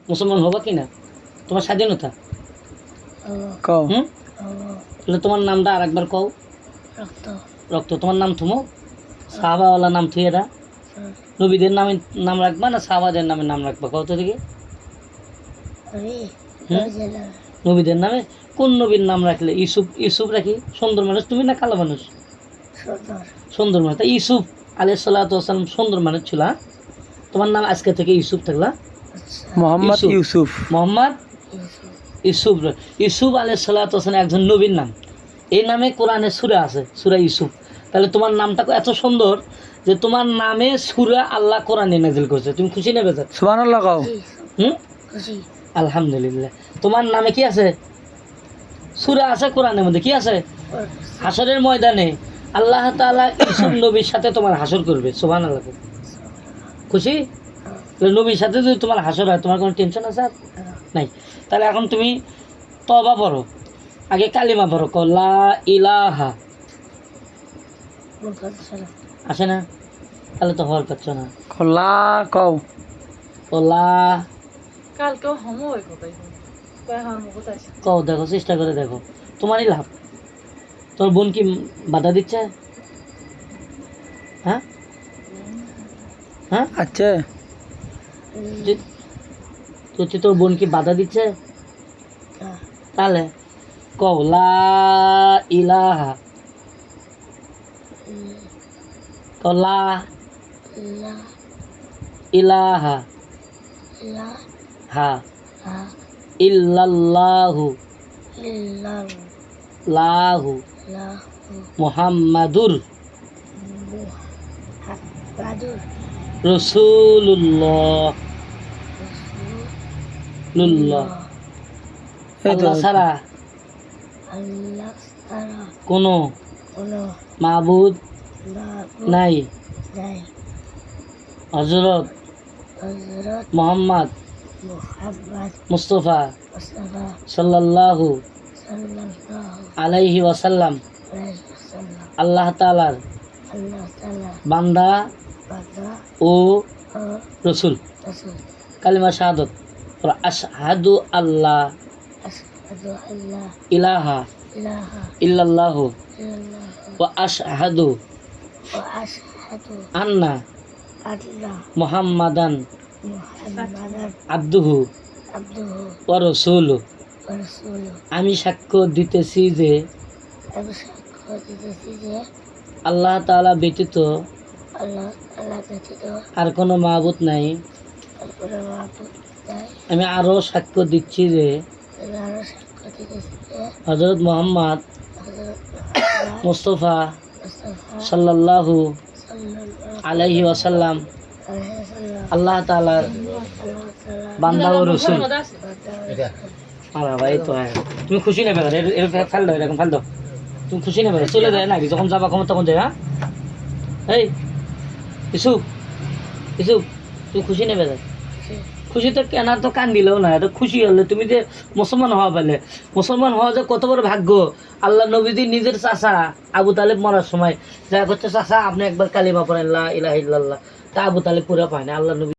মুসলমান হবা কি না? তোমার স্বাধীনতা কও তাহলে তোমার নামটা আর একবার কও। রক্ত রক্ত। তোমার নাম থুমো, সাহাবাওয়ালা নাম থুয়ে দা। নবীদের নামে নাম রাখবা না সাহাবাদের নামে নাম রাখবা? কত দিকে নবীদের নামে কোন নবীর নাম রাখলে? ইউসুফ। ইউসুফ রাখি। সুন্দর মানুষ তুমি না কালো মানুষ? সুন্দর মানুষ। তা ইউসুফ আলাইহিস সালাতু ওয়াস সালাম সুন্দর মানুষ ছিল। তোমার নাম আজকে থেকে ইউসুফ থাকলা। মোহাম্মদ ইউসুফ। মোহাম্মদ ইউসুফ। ইউসুফ আলাইহিস সালাতু ওয়াস সালাম একজন নবীর নাম। এই নামে কোরআনে সূরা আছে, সূরা ইউসুফ। তাহলে তোমার নামটা এত সুন্দর যে তোমার নামে সূরা আল্লাহ কোরআনে নাযিল করেছে। তুমি খুশি না বেজার? সুবহানাল্লাহ কও। খুশি। আলহামদুলিল্লাহ। তোমার নামে কি আছে? সূরা আছে কোরআনের মধ্যে। কি আছে? হাসরের ময়দানে আল্লাহ তাআলা ইউসুফ নবীর সাথে তোমার হাসর করবে। সুবহানাল্লাহ। খুশি? নবীর সাথে যদি তোমার হাসর হয় তোমার কোনো টেনশন আছে আর নাই? তাহলে এখন তুমি তওবা পড়ো। আগে কালিমা পড়ো। লা ইলাহা আসে না? তাহলে তো হওয়ার পাচ্ছ না। খোলা কও। লা কালকেও হোমওয়ার্ক কোথায় কোথায় কও, দেখো, চেষ্টা করে দেখো, তোমারই লাভ। তোর বোন কি বাধা দিচ্ছে? হ্যাঁ হ্যাঁ, আচ্ছা তোর বোন কি বাধা দিচ্ছে? তাহলে কও লা ইলাহা। কও লা ইলাহা হা ইল্লাল্লাহু লাহু মুহাম্মাদুর রাসূলুল্লাহ আল্লাহ ছাড়া কোনো মাবুদ নাই। হযরত মুহাম্মদ মুস্তাফা সাল্লাল্লাহু আলাইহি ওয়াসাল্লাম আল্লাহ তাআলার বান্দা ও রাসূল। কালিমা শাহাদাত। আশহাদু আল্লাহ ইলাহা ইল্লাল্লাহু ওয়া আশহাদু আন্না মুহাম্মাদান আবদুহু ওয়া রাসূলুহু। আমি সাক্ষ্য দিতেছি যে আল্লাহ তাআলা ব্যতীত আর কোনো মাবুদ নাই। আমি আরো সাক্ষ্য দিচ্ছি যে হযরত মুহাম্মদ মুস্তাফা সাল্লাল্লাহু আলাইহি ওয়াসাল্লাম আল্লাহ তাআলার বান্দা ও রাসূল। আরে ভাই তো তুমি খুশি না বেটা? এর ফেল দাও, এরকম ফেল দাও। তুমি খুশি না বেটা? চলে যায় নাকি? যখন যাবা কখন তখন যায়। হ্যাঁ এই ইউসুফ, ইউসুফ তুমি খুশি না বেটা? খুশি তো কেনা তো কান দিলেও না। এটা খুশি হলে তুমি যে মুসলমান হওয়া পেলে। মুসলমান হওয়া যে কত বড় ভাগ্য। আল্লাহ নবীজি নিজের চাচা আবু তালেব মরার সময় যা করছে, চাচা আপনি একবার কালিমা পড়েন লা ইলাহা ইল্লাল্লাহ। তা আবু তালেব পুরা পায় না। আল্লাহ নবী